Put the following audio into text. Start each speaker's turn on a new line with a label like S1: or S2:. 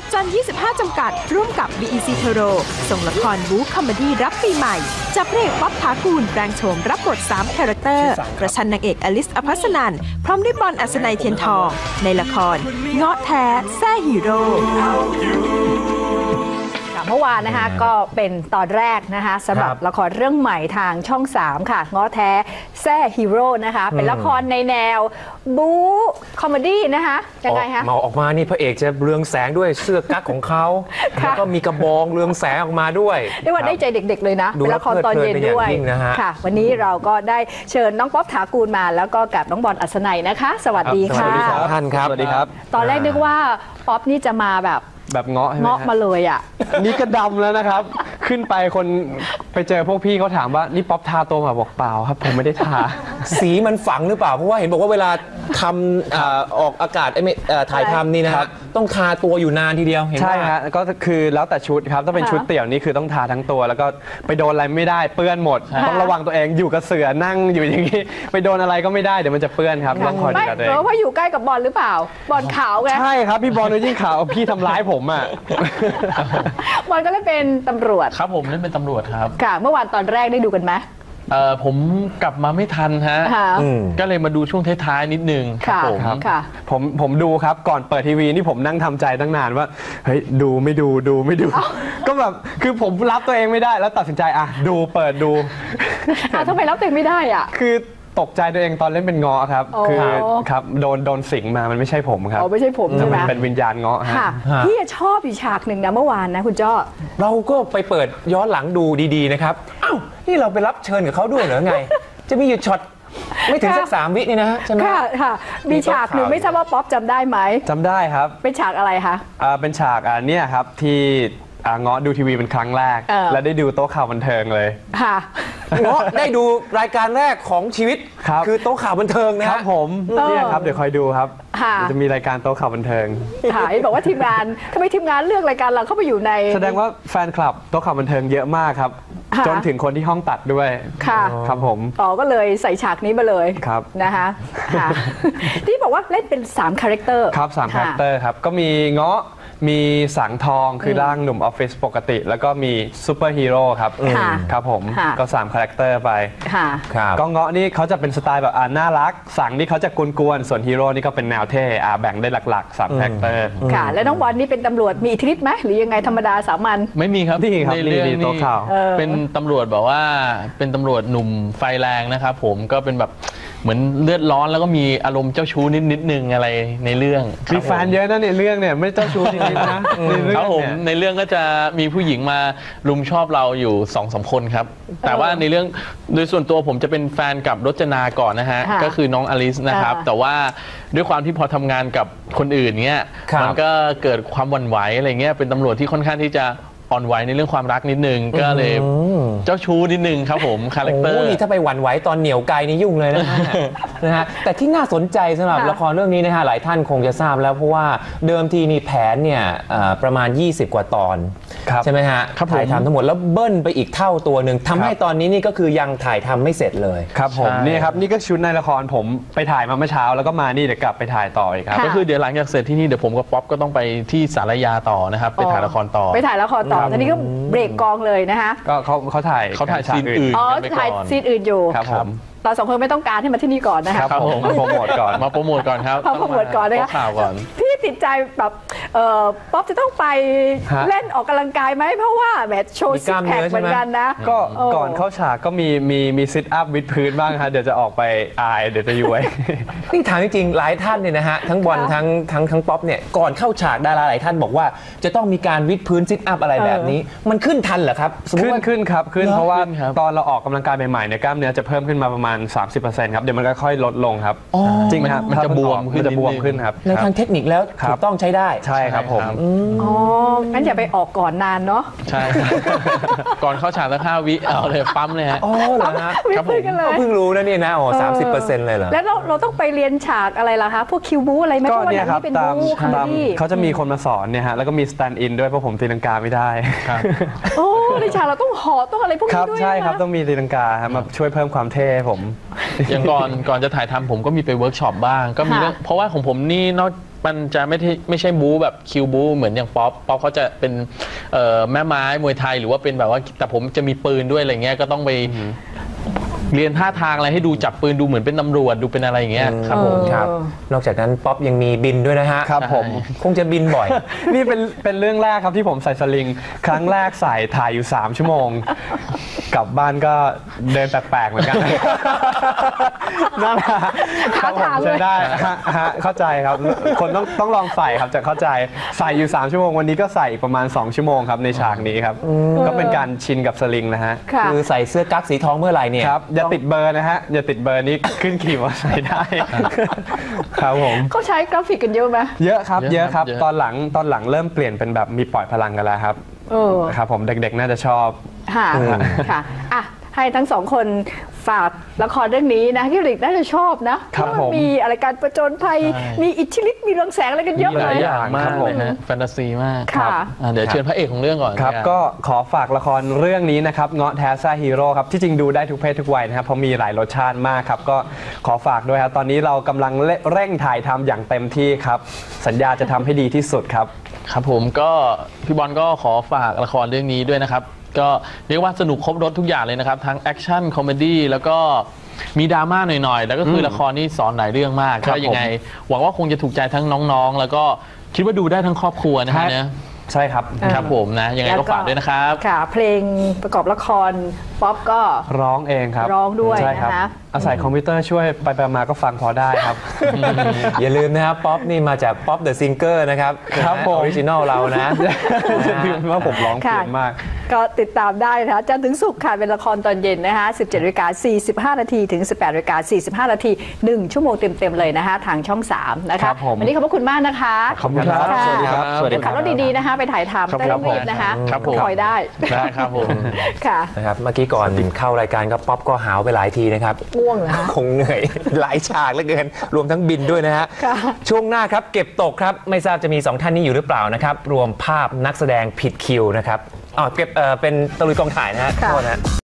S1: ษัทจันทร์25 จำกัดร่วมกับ BEC Toro ส่งละครบู๊คอมเมดี้รับปีใหม่จับพระเอกป๊อป ถากูลแปลงโฉมรับบท3 คาแรคเตอร์ประชันนางเอกอลิส อภัสนันท์พร้อมด้วยบอล อัศนัย เทียนทองในละครเงาะแท้แซ่ฮีโร่
S2: เมื่อวานนะคะก็เป็นตอนแรกนะคะสำหรับละครเรื่องใหม่ทางช่อง 3 ค่ะง้อแท้แซ่ฮีโร่นะคะเป็นละครในแนวบู๊คอมเมดี้นะคะยังไงคะ
S3: เมาออกมานี่พระเอกจะเรืองแสงด้วยเสื้อกั๊กของเขาแล้วก็มีกระบองเรืองแสงออกมาด้วย
S2: เรียกว่าได้ใจเด็กๆเลยนะเป็นละครตอนเย็นด้วยค่ะวันนี้เราก็ได้เชิญน้องป๊อป ถากูลมาแล้วก็กับน้องบอล อัศนัยนะคะสวัสดีค่ะ
S3: สวัสดีท่านครับ
S4: สวัสดีครับ
S2: ตอนแรกนึกว่าป๊อปนี่จะมาแบบ
S4: เงาะใช่ไหม
S2: เงาะมาเลยอ่ะ
S4: นี่ก็ดำแล้วนะครับขึ้นไปคนไปเจอพวกพี่เขาถามว่านี่ป๊อปทาตัวมาบอกเปล่าครับผมไม่ได้ทา
S3: สีมันฝังหรือเปล่าเพราะว่าเห็นบอกว่าเวลาทำออกอากาศถ่ายทำนี่นะครับต้องทาตัวอยู่นานทีเดียว
S4: ใช่ฮะก็คือแล้วแต่ชุดครับถ้าเป็นชุดเตี่ยวนี่คือต้องทาทั้งตัวแล้วก็ไปโดนอะไรไม่ได้เปื้อนหมดต้องระวังตัวเองอยู่กับเสือนั่งอยู่อย่างนี้ไปโดนอะไรก็ไม่ได้เดี๋ยวมันจะเปื้อนครับต้องคอยดูแลตัวเอง
S2: เพราะอยู่ใกล้กับบอลหรือเปล่าบอลขาวไง
S4: ใช่ครับพี่บอลยิ่งขาวพี่ทำร้ายผมอ่ะ
S2: บอลก็เล่นเป็นตำรวจ
S5: ครับผมเล่นเป็นตำรวจครับ
S2: ค่ะเมื่อวานตอนแรกได้ดูกันไหม
S5: ผมกลับมาไม่ทันฮะก็เลยมาดูช่วงท้ายๆนิดนึง
S2: ครับ
S4: ผมดูครับก่อนเปิดทีวีนี่ผมนั่งทำใจตั้งนานว่าเฮ้ยดูไม่ดูก็แบบคือผมรับตัวเองไม่ได้แล้วตัดสินใจอ่ะดูเปิดดู
S2: ทำไมรับตัวเองไม่ได้อ่ะ
S4: คือตกใจตัวเองตอนเล่นเป็นเงาะครับคือครับโดนสิงมามันไม่ใช่ผมครับ
S2: ไม่ใช่ผมใช่ไหม
S4: เป็นวิญญาณเงาะ
S2: ค่ะพี่ชอบอีกฉากหนึ่งนะเมื่อวานนะคุณจ้อ
S3: เราก็ไปเปิดย้อนหลังดูดีๆนะครับอ้าวนี่เราไปรับเชิญกับเขาด้วยเหรอไงจะมีอยู่ช็อตไม่ถึงสัก3 วินี่นะใช่ไหม
S2: ค่ะมีฉากหนึ่งไม่ทราบว่าป๊อปจำได้ไหม
S4: จำได้ครับ
S2: เป็นฉากอะไรคะ
S4: เป็นฉากเนี่ยครับที่เงาะดูทีวีเป็นครั้งแรกและได้ดูโต๊ะข่าวบันเทิงเลย
S2: ค่ะ
S3: เงาะได้ดูรายการแรกของชีวิตคือโต๊ะข่าวบันเทิงนะครับ
S4: ผมเนี่ยครับเดี๋ยวคอยดูครับจะมีรายการโต๊ะข่าวบันเทิง
S2: ค่ะบอกว่าทีมงานทำไมทีมงานเลือกรายการเราเข้าไปอยู่ใน
S4: แสดงว่าแฟนคลับโต๊ะข่าวบันเทิงเยอะมากครับจนถึงคนที่ห้องตัดด้วย
S2: ค่ะ
S4: ครับผม
S2: ก็เลยใส่ฉากนี้มาเลย
S4: ครับ
S2: นะคะที่บอกว่าเล่นเป็น3 คาแรคเตอร์
S4: ครับ3 คาแรคเตอร์ครับก็มีเงาะมีสังทองคือร่างหนุ่มออฟฟิศปกติแล้วก็มีซูเปอร์ฮีโร่ครับครับผมก็3 คาแรคเตอร์ไปก็เงาะนี่เขาจะเป็นสไตล์แบบน่ารักสังนี่เขาจะกวนๆส่วนฮีโร่นี่ก็เป็นแนวเท่แบ่งได้หลักๆ3 คาแรคเตอร์
S2: ค่ะแล้วน้องบอลนี่เป็นตำรวจมีอิทธิฤทธิ์ไหมหรือยังไงธรรมดาสามัญ
S5: ไม่มีครับ
S4: ในเรื่องนี้
S5: เป็นตำรวจแบบว่าเป็นตำรวจหนุ่มไฟแรงนะครับผมก็เป็นแบบเหมือนเลือดร้อนแล้วก็มีอารมณ์เจ้าชู้นิดนึงอะไรในเรื่อง
S4: มีแฟนเยอะนะในเรื่องเนี่ยไม่เจ้าชู้จริงๆนะครับ
S5: ผมในเรื่องก็จะมีผู้หญิงมารุมชอบเราอยู่2-3 คนครับแต่ว่าในเรื่องโดยส่วนตัวผมจะเป็นแฟนกับรจนาก่อนนะฮะก็คือน้องอลิสนะครับแต่ว่าด้วยความที่พอทำงานกับคนอื่นเงี้ยมันก็เกิดความหวั่นไหวอะไรเงี้ยเป็นตำรวจที่ค่อนข้างที่จะอ่อนไหวในเรื่องความรักนิดนึงก็เลยเจ้าชู้นิดนึงครับผมคาแรคเตอร์
S3: นี่ถ้าไปหวั่นไหวตอนเหนียวไกลนี่ยุ่งเลยนะฮะแต่ที่น่าสนใจสำหรับละครเรื่องนี้นะฮะหลายท่านคงจะทราบแล้วเพราะว่าเดิมทีนี่แผนเนี่ยประมาณ20 กว่าตอนใช่ไหมฮะถ่ายทำทั้งหมดแล้วเบิ้ลไปอีกเท่าตัวหนึ่งทำให้ตอนนี้นี่ก็คือยังถ่ายทำไม่เสร็จเลย
S4: ครับผมนี่ครับนี่ก็ชุดในละครผมไปถ่ายมาเมื่อเช้าแล้วก็มานี่เดี๋ยวกลับไปถ่ายต่ออีกครับ
S5: ก็คือเดี๋ยวหลังจากเสร็จที่นี่เดี๋ยวผมกับป๊อปก็ต้องไปที่สารยาต่อนะครับไปถ่ายละครต่อ
S2: ตอนนี้ก็เบรกกองเลยนะคะ
S4: ก็เขาถ่าย
S5: ซีนอื่น
S2: ถ่ายซีนอื่นอยู่
S4: ครับผม
S2: เรา2 คนไม่ต้องการให้มาที่นี่ก่อนนะคะ
S4: ครับผมมาโปรโมทก่อน
S5: ครับ
S2: มาโปรโมทก่อนนะคะ
S5: ข่าวก่อน
S2: พี่ติดใจแบบป๊อปจะต้องไปเล่นออกกำลังกายไหมเพราะว่าแบบโชว์ซิกแพคเหมือนกันนะ
S4: ก็ก่อนเข้าฉากก็มีซิทอัพวิดพื้นบ้างครับเดี๋ยวจะออกไปอายเดี๋ยวจะย้วย
S3: นี่ถามจริงๆหลายท่านเนี่ยนะฮะทั้งบอลทั้งป๊อปเนี่ยก่อนเข้าฉากดาราหลายท่านบอกว่าจะต้องมีการวิดพื้นซิทอัพอะไรแบบนี้มันขึ้นทันเหรอครับ
S4: ขึ้นครับเพราะว่าตอนเราออกกำลังกายใหม่ๆเนี่ยกล้ามเนื้อจะเพิ่มขึ้นมาประมาณ30%ครับเดี๋ยวมันก็ค่อยลดลงครับจริงครับ
S5: มันจะบวม
S4: ขึ้นครับ
S3: ในทางเทคนิคแล้วถูกต้องใช้ได้
S4: ใช่ครับผม
S2: งั้นอย่าไปออกก่อนนานเนาะ
S5: ใช่ก่อนเข้าฉากแล้ว5 วิเอาเลยปั๊มเลยฮะ
S3: เหรอฮะครับผมเพิ่งรู้นะเนี่ยนะ30%เลยเหรอ
S2: แล้วเราต้องไปเรียนฉากอะไรล่ะคะพวกคิวบูอะไรไหมเพราะว่าอย่างนี้เป็นบูคอมเมดี้
S4: เขาจะมีคนมาสอนเนี่ยฮะแล้วก็มีสแตนด์อินด้วยเพราะผมตีลังกาไม่ได้
S2: ในฉากเราต้องห่อต้องอะไรพวกนี้ด้วย
S4: ใช่ครับต้องมีตีลังกามาช่วยเพิ่มความเท่ผม
S5: อย่างก่อนจะถ่ายทำผมก็มีไปเวิร์กช็อปบ้างก็มีเรื่องเพราะว่าของผมนี่มันจะไม่ใช่บู๊แบบคิวบู๊เหมือนอย่างป๊อปเขาจะเป็นแม่ไม้มวยไทยหรือว่าเป็นแบบว่าแต่ผมจะมีปืนด้วยอะไรเงี้ยก็ต้องไปเรียนท่าทางอะไรให้ดูจับปืนดูเหมือนเป็นตำรวจดูเป็นอะไรอย่างเงี้ยครับผม
S3: ครับนอกจากนั้นป๊อปยังมีบินด้วยนะฮะ
S4: ครับผม
S3: คงจะบินบ่อย
S4: นี่เป็นเรื่องแรกครับที่ผมใส่สลิงครั้งแรกใส่ถ่ายอยู่3 ชั่วโมงกลับบ้านก็เดินแปลกๆเหมือนกันนั่นแหละครับผมใช้ได้เข้าใจครับคนต้องลองใส่ครับจะเข้าใจใส่อยู่3 ชั่วโมงวันนี้ก็ใส่ประมาณ2 ชั่วโมงครับในฉากนี้ครับก็เป็นการชินกับสลิงนะฮะ
S3: คือใส่เสื้อกั๊กสีทองเมื่อไหร่เนี่ย
S4: ครับอย่าติดเบอร์นะฮะอย่าติดเบอร์นี้ขึ้นขี่มอเตอร์ไซค์ได้ครับผม
S2: เขาใช้กราฟิกกันเยอะไหม
S4: เยอะครับเยอะครับตอนหลังเริ่มเปลี่ยนเป็นแบบมีปล่อยพลังกันแล้วครับครับผมเด็กๆน่าจะชอบ
S2: ค่ะอ่ะให้ทั้งสองคนฝากละครเรื่องนี้นะที่ริกน่าจะชอบนะเพราะมันมีอะไรการประจนภัยมีอิทธิฤทธิ์มีเรืองแสงอะไรกันเยอะเลย
S5: อย่างมากเลยนะแฟนตาซีมากครับเดี๋ยวเชิญพระเอกของเรื่องก่อน
S4: ครับก็ขอฝากละครเรื่องนี้นะครับเงาะแท้ซ่าฮีโร่ครับที่จริงดูได้ทุกเพศทุกวัยนะครับเพราะมีหลายรสชาติมากครับก็ขอฝากด้วยครับตอนนี้เรากำลังเร่งถ่ายทำอย่างเต็มที่ครับสัญญาจะทำให้ดีที่สุดครับ
S5: ครับผมก็พี่บอลก็ขอฝากละครเรื่องนี้ด้วยนะครับก็เรียกว่าสนุกครบรสทุกอย่างเลยนะครับทั้งแอคชั่นคอมเมดี้แล้วก็มีดราม่าหน่อยๆแล้วก็คือละครนี่สอนหลายเรื่องมากก็ยังไงหวังว่าคงจะถูกใจทั้งน้องๆแล้วก็คิดว่าดูได้ทั้งครอบครัวนะฮะเนี่ย
S4: ใช่ครับ
S5: ครับผมนะยังไงก็ฝากด้วยนะครับ
S2: ค่ะเพลงประกอบละครป๊อปก็
S4: ร้องเองครับ
S2: ร้องด้วยนะคะ
S4: อาศัยคอมพิวเตอร์ช่วยไปมาก็ฟังพอได้ครับ
S3: อย่าลืมนะครับป๊อปนี่มาจากป๊อปเดอะซิงเกอร์นะครับ
S4: ครับอ
S3: อริจินอลเรานะ
S4: จะลืมว่าผมร้องเก่งมาก
S2: ก็ติดตามได้นะคะจันทร์ถึงศุกร์ค่ะเป็นละครตอนเย็นนะคะ 17:45 น.ถึง 18:45 น.1 ชั่วโมงเต็มๆเลยนะคะทางช่อง3นะคะวันนี้ขอบพระคุณมากนะคะ
S4: ขอบคุณครับสวัสดีครับ
S2: สวัสดีครับขับรถดีๆนะคะไปถ่ายทำได้รีบนะคะคอยได้
S5: ครับผม
S2: ค่ะ
S3: นะครับเมื่อกี้ก่อนเข้ารายการก็ป๊อปก็หาวไปหลายทีนะครับ
S2: ง่วงเหรอ
S3: คงเหนื่อยหลายฉากเหลือเกินรวมทั้งบินด้วยนะฮะช่วงหน้าครับเก็บตกครับไม่ทราบจะมี2ท่านนี้อยู่หรือเปล่านะครับรวมภาพนักแสดงผิดคิวนะครับเก็บเป็นตะลุยกองถ่ายนะฮะโทษนะ